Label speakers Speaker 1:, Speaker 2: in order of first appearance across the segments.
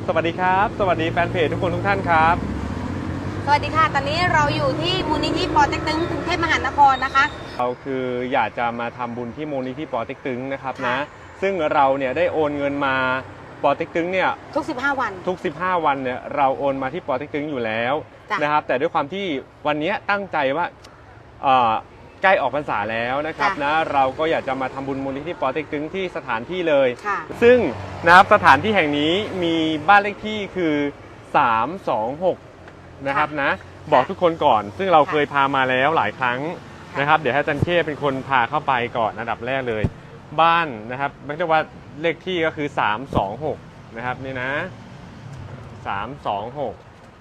Speaker 1: สวัสดีครับสวัสดีแฟนเพจทุกคนทุกท่านครับ
Speaker 2: สวัสดีค่ะตอนนี้เราอยู่ที่มูลนิธิปอเต็กตึงกรุงเทพมหานครนะคะ
Speaker 1: เราคืออยากจะมาทำบุญที่มูลนิธิปอเต็กตึงนะครับนะซึ่งเราเนี่ยได้โอนเงินมาปอเต็กตึงเนี่ย
Speaker 2: ทุก15 วัน
Speaker 1: ทุก15 วันเนี่ยเราโอนมาที่ปอเต็กตึงอยู่แล้วนะครับแต่ด้วยความที่วันนี้ตั้งใจว่าใกล้ออกพรรษาแล้วนะครับนะเราก็อยากจะมาทำบุญมูลนิธิปอเต็กตึงที่สถานที่เลยซึ่งนะครับสถานที่แห่งนี้มีบ้านเลขที่คือ326นะครับนะบอกทุกคนก่อนซึ่งเราเคยพามาแล้วหลายครั้งนะครับเดี๋ยวให้อาจารย์เข้เป็นคนพาเข้าไปก่อนอันดับแรกเลยบ้านนะครับไม่ใช่ว่าเลขที่ก็คือ326นะครับนี่นะ326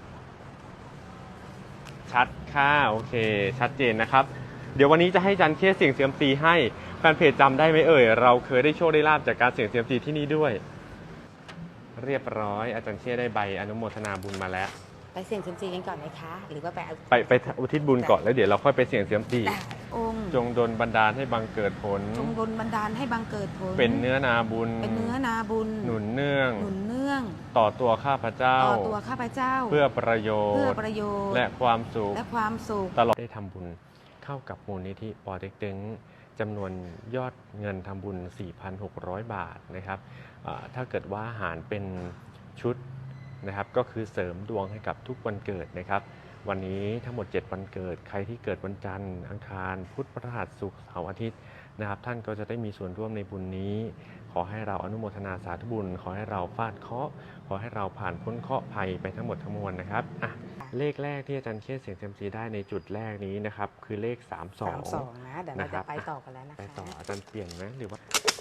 Speaker 1: ชัดค่ะโอเคชัดเจนนะครับเดี๋ยววันนี้จะให้อาจารย์เข้เสี่ยงเซียมซีให้แฟนเพจจำได้ไหมเอ่ยเราเคยได้โชคได้ลาภจากการเสี่ยงเซียมซีที่นี่ด้วยเรียบร้อยอาจารย์เข้ได้ใบอนุโมทนาบุญมาแล้ว
Speaker 2: ไปเสี่ยงเซียมซีกันก่อนไหมคะหรือว่า
Speaker 1: ไปอุทิศบุญก่อนแล้วเดี๋ยวเราค่อยไปเสี่ยงเซียมซี
Speaker 2: องค์
Speaker 1: จงดลบันดาลให้บังเกิดผล
Speaker 2: จงดลบันดาลให้บังเกิดผล
Speaker 1: เป็นเนื้อนาบุญหนุนเนื่องต่อตัวข้าพเจ้าเพื่อประโยชน์และความสุขตลอดได้ทำบุญเข้ากับมูลนิธิปอเต็กตึงจำนวนยอดเงินทำบุญ 4,600 บาทนะครับถ้าเกิดว่าหารเป็นชุดนะครับก็คือเสริมดวงให้กับทุกวันเกิดนะครับวันนี้ทั้งหมด7วันเกิดใครที่เกิดวันจันทร์อังคารพุธพฤหัสศุกร์เสาร์อาทิตย์นะครับท่านก็จะได้มีส่วนร่วมในบุญนี้ขอให้เราอนุโมทนาสาธุบุญขอให้เราฟาดเคราะห์ขอให้เราผ่านพ้นเคราะห์ภัยไปทั้งหมดทั้งมวลนะครับเลขแรกที่อาจารย์เข้เสี่ยงเซียมซีได้ในจุดแรกนี้นะครับคือเลข32
Speaker 2: นะเดี๋ยวเราจะไปต่อกันแล้วนะคะ
Speaker 1: ไปต่ออาจารย์เปลี่ยนไหมหรือว่า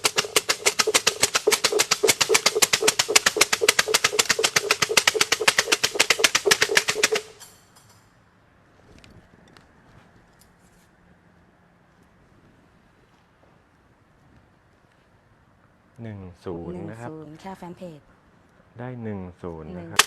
Speaker 1: 10นะครับ
Speaker 2: ค่ะแฟนเพจ
Speaker 1: ได้10นะครับ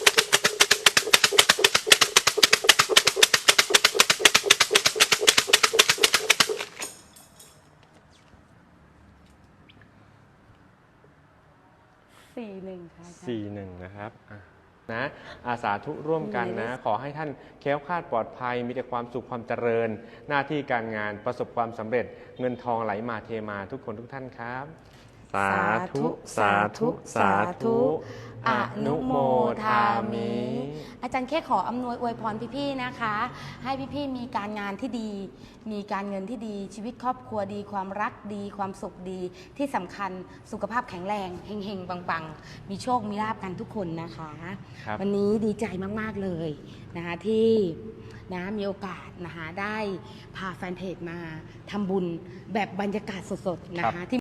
Speaker 2: 41ค่ะ
Speaker 1: 41นะครับนะสาธุร่วมกันนะขอให้ท่านแคล้วคลาดปลอดภัยมีแต่ความสุขความเจริญหน้าที่การงานประสบความสำเร็จเงินทองไหลมาเทมาทุกคนทุกท่านครับสาธุสาธุสาธุอนุโมทามิ
Speaker 2: อาจารย์แค่ขออำนวยอวยพรพี่ๆนะคะให้พี่ๆมีการงานที่ดีมีการเงินที่ดีชีวิตครอบครัวดีความรักดีความสุขดีที่สำคัญสุขภาพแข็งแรงเฮงๆปังๆมีโชคมีลาภกันทุกคนนะคะวันนี้ดีใจมากๆเลยนะคะที่มีโอกาสนะคะได้พาแฟนเพจมาทำบุญแบบบรรยากาศสดๆนะคะ